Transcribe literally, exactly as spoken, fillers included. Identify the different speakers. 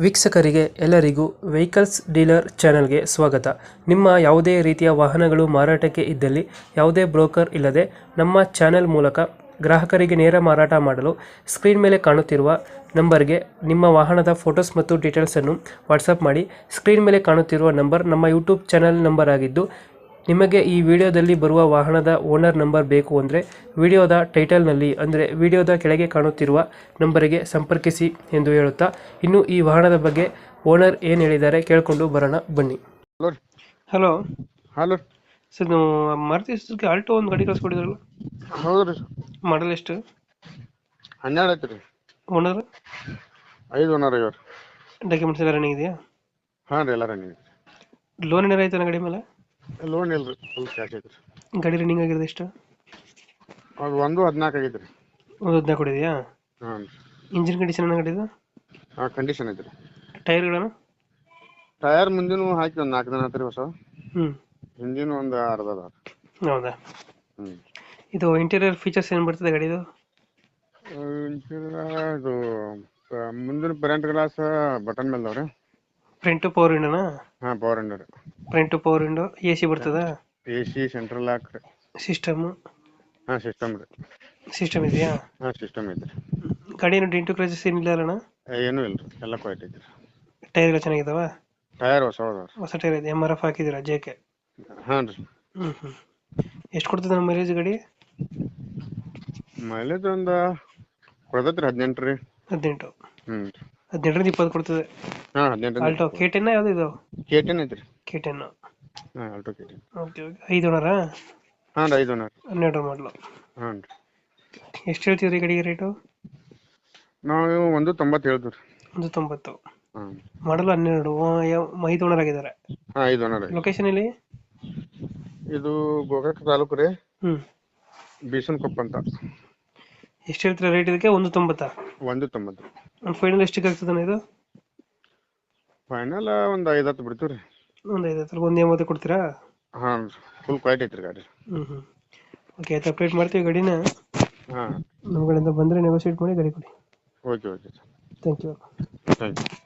Speaker 1: ವೀಕ್ಷಕರಿಗೆ ಎಲ್ಲರಿಗೂ vehicles dealer ಚಾನೆಲ್ಗೆ ಸ್ವಾಗತ. ನಿಮ್ಮ ಯಾವುದೇ ರೀತಿಯ ವಾಹನಗಳು ಮಾರಾಟಕ್ಕೆ ಇದ್ದಲ್ಲಿ ಯಾವುದೇ ಬ್ರೋಕರ್ ಇಲ್ಲದೆ ನಮ್ಮ ಚಾನೆಲ್ ಮೂಲಕ ಗ್ರಾಹಕರಿಗೆ ನೇರ ಮಾರಾಟ ಮಾಡಲು ಸ್ಕ್ರೀನ್ ಮೇಲೆ ಕಾಣುತ್ತಿರುವ ನಂಬರ್ಗೆ ನಿಮ್ಮ ವಾಹನದ ಫೋಟೋಸ್ ಮತ್ತು ಡೀಟೇಲ್ಸನ್ನು ವಾಟ್ಸಪ್ ಮಾಡಿ. ಸ್ಕ್ರೀನ್ ಮೇಲೆ ಕಾಣುತ್ತಿರುವ ನಂಬರ್ ನಮ್ಮ ಯೂಟ್ಯೂಬ್ ಚಾನೆಲ್ ನಂಬರ್ ಆಗಿದ್ದು, ನಿಮಗೆ ಈ ವಿಡಿಯೋದಲ್ಲಿ ಬರುವ ವಾಹನದ ಓನರ್ ನಂಬರ್ ಬೇಕು ಅಂದರೆ ವಿಡಿಯೋದ ಟೈಟಲ್ನಲ್ಲಿ ಅಂದರೆ ವಿಡಿಯೋದ ಕೆಳಗೆ ಕಾಣುತ್ತಿರುವ ನಂಬರಿಗೆ ಸಂಪರ್ಕಿಸಿ ಎಂದು ಹೇಳುತ್ತಾ, ಇನ್ನು ಈ ವಾಹನದ ಬಗ್ಗೆ ಓನರ್ ಏನು ಹೇಳಿದ್ದಾರೆ ಕೇಳಿಕೊಂಡು ಬರೋಣ ಬನ್ನಿ.
Speaker 2: ಹಲೋ
Speaker 1: ಹಲೋ
Speaker 2: ಹಲೋ
Speaker 1: ಸರ್, ನೀವು ಮಾರುತಿ ಸುಜುಕಿ ಆಲ್ಟೋ ಒಂದು ಗಾಡಿ ಕಳಿಸ್ಕೊಟ್ಟಿದ್ರಲ್ಲ,
Speaker 2: ಹೌದ್ರಿ
Speaker 1: ಮಾಡಲ್ ಎಷ್ಟು?
Speaker 2: ಹನ್ನೆರಡು ಐತ್ರಿ.
Speaker 1: ಓನರ್
Speaker 2: ಐದು ಓನರ್ ಐವತ್ತು.
Speaker 1: ಡಾಕ್ಯುಮೆಂಟ್ಸ್ ಎಲ್ಲ ರನ್ನಿಂಗ್ ಇದೆಯಾ?
Speaker 2: ಹಾಂ ರೀ, ಎಲ್ಲ ರನ್ನಿಂಗ್.
Speaker 1: ಲೋನ್ ಏನಾರ ಆಯ್ತಾನ ಗಾಡಿ ಮೇಲೆ?
Speaker 2: ಲೋನ್ ಇಲ್ರಿ, ಫುಲ್ ಕ್ಯಾಶ್ ಐತ್ರಿ.
Speaker 1: ಗಾಡಿ ರನ್ನಿಂಗ್ ಆಗಿರೋದು ಎಷ್ಟು?
Speaker 2: ಅದು ಒಂದು ಹದಿನಾಲ್ಕು ಆಗೈತ್ರಿ.
Speaker 1: ಒಂದು ಹದಿನಾಲ್ಕು ಕೊಡಿದೆಯಾ?
Speaker 2: ಹಾಂ ರೀ.
Speaker 1: ಇಂಜಿನ್ ಕಂಡೀಷನ್ ಏನಾಗಿದ್ದು?
Speaker 2: ಹಾಂ, ಕಂಡೀಷನ್ ಐತ್ರಿ.
Speaker 1: ಟೈರ್ಗಳನ್ನು?
Speaker 2: ಟಯರ್ ಮುಂದಿನ ಹಾಕಿ ಒಂದು ನಾಲ್ಕು ದಿನ ಆತ್ರಿ ಹೊಸ.
Speaker 1: ಹ್ಞೂ.
Speaker 2: ಹಿಂದಿನ ಒಂದು ಅರ್ಧ ಅದ.
Speaker 1: ಹೌದಾ?
Speaker 2: ಹ್ಞೂ.
Speaker 1: ಇದು ಇಂಟೀರಿಯರ್ ಫೀಚರ್ಸ್ ಏನು ಬರ್ತದೆ ಗಾಡಿದು?
Speaker 2: ಇದು ಮುಂದಿನ ಪೆರೆಂಟ್ ಗ್ಲಾಸ್ ಬಟನ್ ಮೇಲೆ ಅದಾವ್ರಿ.
Speaker 1: ಫ್ರಂಟ್ ಪವರ್ ವಿಂಡೋನಾ?
Speaker 2: ಹಾಂ, ಪವರ್ ವಿಂಡೋ ರೀ.
Speaker 1: Front power window, A C ಬರ್ತದಾ?
Speaker 2: ಎ ಸಿ, ಸೆಂಟ್ರಲ್ ಲಾಕ್ ರೀ.
Speaker 1: ಸಿಸ್ಟಮು?
Speaker 2: ಹಾಂ, ಸಿಸ್ಟಮ್ ರೀ.
Speaker 1: ಸಿಸ್ಟಮ್ ಇದೆಯಾ?
Speaker 2: ಹಾಂ, ಸಿಸ್ಟಮ್ ಐತ್ರಿ.
Speaker 1: ಗಾಡಿ ಏನು ಡೆಂಟು ಕ್ರೈಸಸ್ ಏನಿಲ್ಲ ಅಣ್ಣ?
Speaker 2: ಏನೂ ಇಲ್ಲ ರೀ, ಎಲ್ಲ ಕ್ವೈಟ್ ಐತ್ರಿ.
Speaker 1: ಟೈರ್ಗಳು ಚೆನ್ನಾಗಿದಾವ?
Speaker 2: ಟಯರ್ ಹೊಸ ಅದಾವ್ರಿ.
Speaker 1: ಹೊಸ ಟೈರ್ ಇದೆ, ಎಮ್ ಆರ್ ಎಫ್ ಹಾಕಿದ್ದೀರಾ ಜೆ ಕೆ?
Speaker 2: ಹಾಂ ರೀ.
Speaker 1: ಹ್ಞೂ ಹ್ಞೂ. ಎಷ್ಟು ಕೊಡ್ತದೆ ನಮ್ಮ ಮೈಲೇಜ್ ಗಾಡಿ?
Speaker 2: ಮೈಲೇಜ್ ಒಂದು ಕೊಡ್ತೈತ್ರಿ ಹದಿನೆಂಟು ರೀ.
Speaker 1: ಹದಿನೆಂಟು?
Speaker 2: ಹ್ಞೂ.
Speaker 1: ಹದಿನೆಂಟರಿಂದ ಇಪ್ಪತ್ತು ಕೊಡ್ತದೆ.
Speaker 2: ಹಾಂ, ಹದಿನೆಂಟು.
Speaker 1: ಆಲ್ಟೋ ಕೆ ಟೆನ್ ಯಾವುದು ಇದು?
Speaker 2: ಕೆ ಟೆನ್ ಐತ್ರಿ.
Speaker 1: K ten.
Speaker 2: ಹಾಂ, Alto K ten.
Speaker 1: Okay okay. ಐದು ಓನರಾ?
Speaker 2: ಹಾಂ ರೀ, ಐದು ಓನರ್.
Speaker 1: ಹನ್ನೆರಡು ಮಾಡಲು.
Speaker 2: ಹಾಂ ರೀ.
Speaker 1: ಎಷ್ಟು ಹೇಳ್ತೀವಿ ರೀ ಗಾಡಿಗೆ ರೇಟು?
Speaker 2: ನಾವು ಒಂದು ತೊಂಬತ್ತು ಹೇಳ್ತೀವಿ ರೀ.
Speaker 1: ಒಂದು ತೊಂಬತ್ತು.
Speaker 2: ಹಾಂ.
Speaker 1: ಮಾಡಲು ಹನ್ನೆರಡು, ಐದು ಓನರ್ ಆಗಿದ್ದಾರೆ.
Speaker 2: ಹಾಂ, ಐದು ಓನರ್.
Speaker 1: ಲೊಕೇಶನ್ ಎಲ್ಲಿ?
Speaker 2: ಇದು ಗೋಕಾಕ್ ತಾಲೂಕು ರೀ,
Speaker 1: ಹ್ಞೂ.
Speaker 2: ಬೀಸನ್ಕೊಪ್ಪ ಅಂತ.
Speaker 1: ಎಷ್ಟು ಹೇಳ್ತೀರಾ ರೇಟ್ ಇದಕ್ಕೆ? ಒಂದು ತೊಂಬತ್ತಾ? ಒಂದು
Speaker 2: ತೊಂಬತ್ತು.
Speaker 1: ಒಂದು ಫೈನಲ್ ಎಷ್ಟಿಗೆ ಆಗ್ತದೆ ಇದು?
Speaker 2: ಫೈನಲ್ ಒಂದು ಐದು ಹತ್ತು ಬಿಡ್ತೀವಿ ರೀ.
Speaker 1: ಒಂದು ಐದು ಹತ್ತು, ಒಂದು ಎಂಬತ್ತು ಕೊಡ್ತೀರಾ?
Speaker 2: ಹಾಂ, ಫುಲ್ ಕ್ವಾಲಿಟಿ ಐತ್ರಿ ಗಾಡಿ.
Speaker 1: ಹ್ಞೂ ಹ್ಞೂ. ಓಕೆ, ಆಯ್ತು, ಅಪ್ಡೇಟ್ ಮಾಡ್ತೀವಿ ಗಾಡಿನ.
Speaker 2: ಹಾಂ,
Speaker 1: ನಮ್ಮ ಕಡೆಯಿಂದ ಬಂದರೆ ನೆಗೋಷಿಯೇಟ್ ಮಾಡಿ ಗಾಡಿ ಕೊಡಿ.
Speaker 2: Okay okay sir.
Speaker 1: Thank you.
Speaker 2: Thank you.